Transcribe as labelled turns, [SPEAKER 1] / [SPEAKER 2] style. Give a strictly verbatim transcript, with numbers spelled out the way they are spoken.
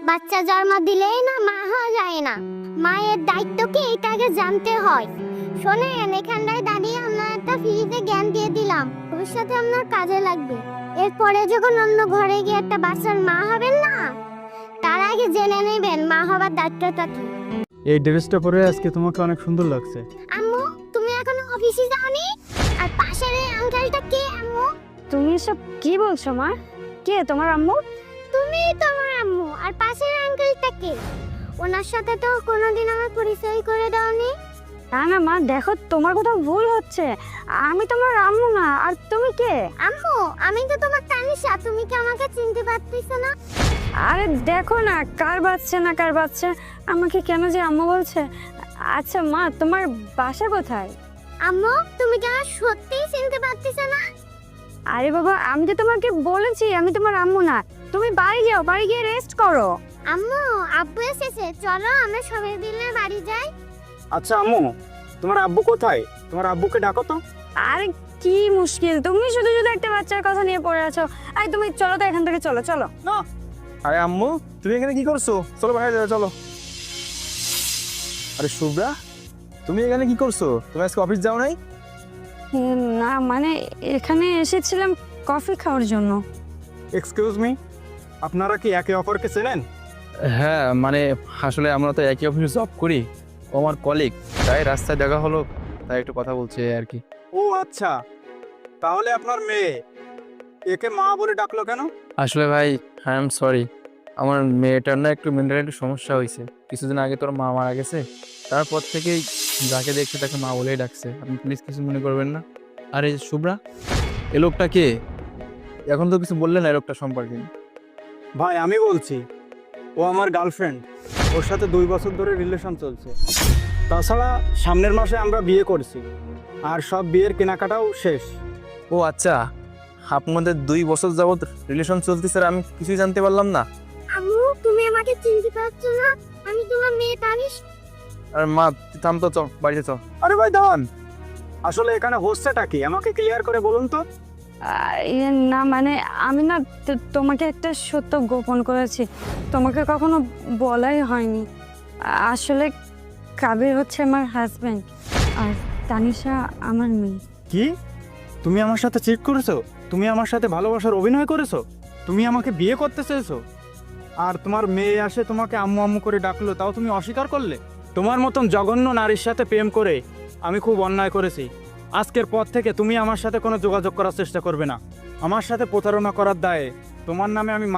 [SPEAKER 1] বাচ্চা জন্ম দিলেই না মা হওয়া যায় না, মায়ের দায়িত্ব কি এটাকে জানতে হয়। শোনেন, এখানটায় দাঁড়িয়ে আমরা একটা ফ্রিতে জ্ঞান দিয়ে দিলাম, ভবিষ্যতে আপনার কাজে লাগবে। এরপরে যখন অন্য ঘরে গিয়ে একটা বাচ্চার মা হবেন না, তার আগে জেনে নেবেন মা হবার দায়িত্বটা কি।
[SPEAKER 2] এই ড্রেসটা পরে আজকে তোমাকে অনেক সুন্দর লাগছে।
[SPEAKER 1] আম্মু, তুমি এখনো অফিসে যাওনি? আর পাশের এই আঙ্কেলটা কে আম্মু?
[SPEAKER 3] তুমি সব কি বলছো মা? কে তোমার আম্মু?
[SPEAKER 1] তুমি তোমার আম্মু। আর পাশের আঙ্কেলটা কে? ওনার সাথে তো কোনোদিন আমার পরিচয় করে দাওনি।
[SPEAKER 3] না না মা, দেখো তোমার কোথাও ভুল হচ্ছে। আমি তোমার আম্মু না। আর তুমি কে?
[SPEAKER 1] আম্মু, আমি তো তোমার তানিশা, তুমি কি আমাকে চিনতে পারতেছো না?
[SPEAKER 3] আরে দেখো না, কার বাচ্চা না কার বাচ্চা আমাকে কেন যে আম্মু বলছে। আচ্ছা মা, তোমার বাসা কোথায়?
[SPEAKER 1] আম্মু, তুমি কি আমার সত্যিই চিনতে পারতেছো না?
[SPEAKER 3] আরে বাবা, আমি তো তোমাকে বলেছি আমি তোমার আম্মু না। তুমি বাড়ি যাও, বাড়ি গিয়ে রেস্ট করো।
[SPEAKER 1] আম্মু, আব্বু এসেছে, চলো আমরা সবাই মিলে বাড়ি যাই।
[SPEAKER 2] আচ্ছা আম্মু, তোমার আব্বু কোথায়? তোমার আব্বুকে ডাকো তো।
[SPEAKER 3] আরে কি মুশকিল, তুমি শুধু শুধু একটা বাচ্চার কথা নিয়ে পড়ে আছো। আরে তুমি চলো তো এখান থেকে, চলো চলো।
[SPEAKER 2] না, আরে আম্মু, তুমি এখানে কি করছো? চলো বাইরে যাও, চলো। আরে শুভ্রা, তুমি এখানে কি করছো? তুমি আজকে অফিস যাও নাই?
[SPEAKER 3] উম, না মানে এখানে এসেছিলাম কফি খাওয়ার জন্য।
[SPEAKER 2] এক্সকিউজ মি, আপনারা কি একে অপরকে চেনেন?
[SPEAKER 4] হ্যাঁ, মানে আসলে আমরা তো একই অফিসে জব করি। ও আমার কলিগ, তাই রাস্তায় দেখা হলো, তাই একটু কথা বলছে আর কি।
[SPEAKER 2] ও আচ্ছা, তাহলে আপনার মেয়ে একে মা বলে ডাকলো কেন?
[SPEAKER 4] আসলে ভাই, আই এম সরি, আমার মেয়েটার না একটু মেন্টালি একটু সমস্যা হয়েছে। কিছুদিন আগে তোর মা মারা গেছে, তারপর থেকেই যাকে দেখছে তাকে মা বলেই ডাকছে। আপনি প্লিজ কিছু মনে করবেন না। আর এই যে শুভ্রা, এ লোকটা কে? এখন তো কিছু বললেন না এই লোকটা সম্পর্কে।
[SPEAKER 2] ভাই আমি বলছি, ও আমার গার্লফ্রেন্ড, ওর সাথে দুই বছর ধরে রিলেশন চলছে। তাছাড়া সামনের মাসে আমরা বিয়ে করছি, আর সব বিয়ের কেনাকাটাও শেষ।
[SPEAKER 4] ও আচ্ছা, আপনাদের দুই বছর যাবত রিলেশন চলতেছে আর আমি কিছুই জানতে পারলাম না।
[SPEAKER 1] আম্মু, তুমি আমাকে চিনতে পারছো না? আমি তোমার মেয়ে তানিশ।
[SPEAKER 4] আর মা, তুই থাম তো, চল বাড়িতে চল।
[SPEAKER 2] আরে ভাই দাঁড়ান, আসলে এখানে হচ্ছেটা কি আমাকে ক্লিয়ার করে বলুন তো।
[SPEAKER 3] আর ইয়ে না মানে আমি না তো- তোমাকে একটা সত্য গোপন করেছি, তোমাকে কখনো বলাই হয়নি। আসলে কাবির হচ্ছে আমার হাজবেন্ড, আর তানিশা আমার মেয়ে।
[SPEAKER 2] কি? তুমি আমার সাথে চিট করেছো? তুমি আমার সাথে ভালোবাসার অভিনয় করেছো? তুমি আমাকে বিয়ে করতে চেয়েছো? আর তোমার মেয়ে আসে তোমাকে আম্মু আম্মু করে ডাকলো, তাও তুমি অস্বীকার করলে? তোমার মতন জঘন্য নারীর সাথে প্রেম করে আমি খুব অন্যায় করেছি। আজকের পর থেকে তুমি আমার সাথে কোনো যোগাযোগ করার চেষ্টা করবে না। আমার সাথে প্রতারণা করার দায়ে তোমার নামে আমি